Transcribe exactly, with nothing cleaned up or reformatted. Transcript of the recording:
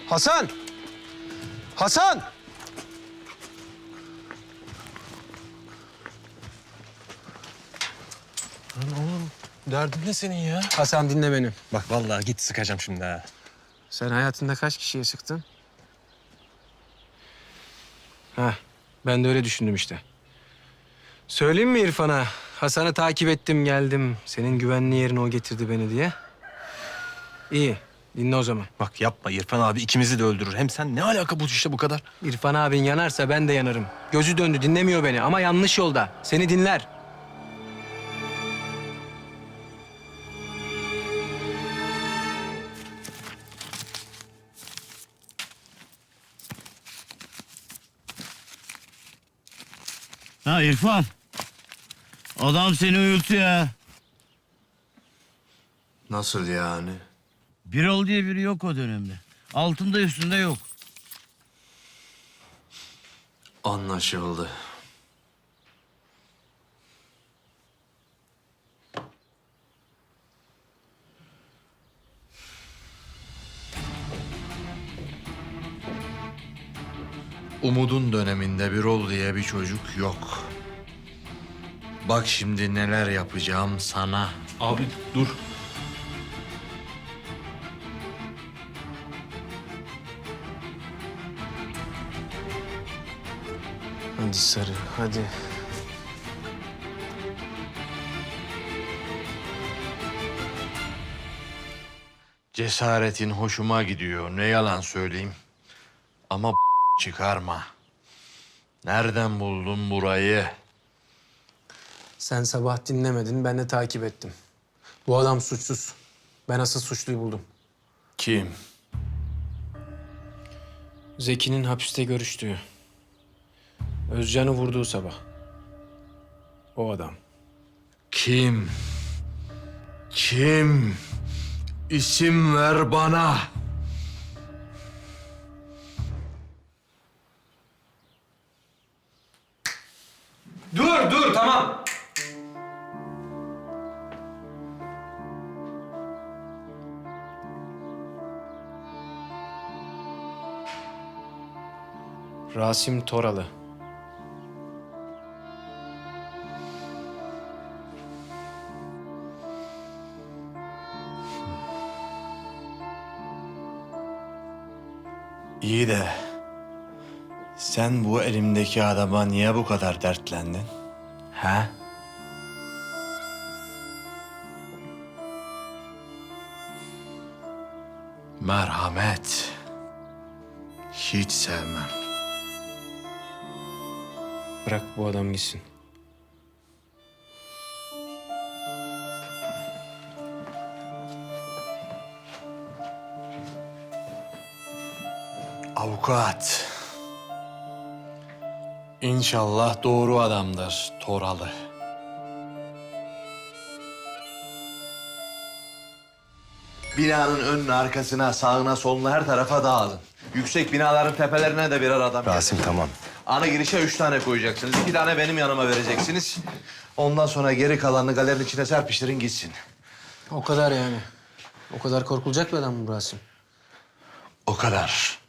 Hasan! Hasan! Lan oğlum derdin ne senin ya? Hasan dinle beni. Bak vallahi git sıkacağım şimdi ha. Sen hayatında kaç kişiye sıktın? Heh, ben de öyle düşündüm işte. Söyleyeyim mi İrfan'a? Hasan'ı takip ettim geldim. Senin güvenli yerine o getirdi beni diye. İyi, dinle o zaman. Bak yapma İrfan abi ikimizi de öldürür. Hem sen ne alaka bu işte bu kadar? İrfan abin yanarsa ben de yanarım. Gözü döndü, dinlemiyor beni ama yanlış yolda. Seni dinler. Ha İrfan. Adam seni uyutuyor ha. Nasıl yani? Birol diye biri yok o dönemde. Altında üstünde yok. Anlaşıldı. Umud'un döneminde Birol diye bir çocuk yok. Bak şimdi neler yapacağım sana. Abi dur. Hadi sarı, hadi. Cesaretin hoşuma gidiyor. Ne yalan söyleyeyim. Ama çıkarma. Nereden buldun burayı? Sen sabah dinlemedin, ben de takip ettim. Bu adam suçsuz. Ben asıl suçluyu buldum. Kim? Zeki'nin hapiste görüştüğü. Özcan'ı vurduğu sabah. O adam. Kim? Kim? İsim ver bana. Dur, dur, tamam. Rasim Toralı. İyi de sen bu elimdeki adama niye bu kadar dertlendin? He? Merhamet. Hiç sevmem. Bırak bu adam gitsin. Avukat. İnşallah doğru adamdır Toralı. Binanın önüne, arkasına, sağına, soluna her tarafa dağılın. Yüksek binaların tepelerine de birer adam Rasim tamam. Ana girişe üç tane koyacaksınız. İki tane benim yanıma vereceksiniz. Ondan sonra geri kalanını galerinin içine serpiştirin gitsin. O kadar yani. O kadar korkulacak bir adam mı bu Rasim? O kadar.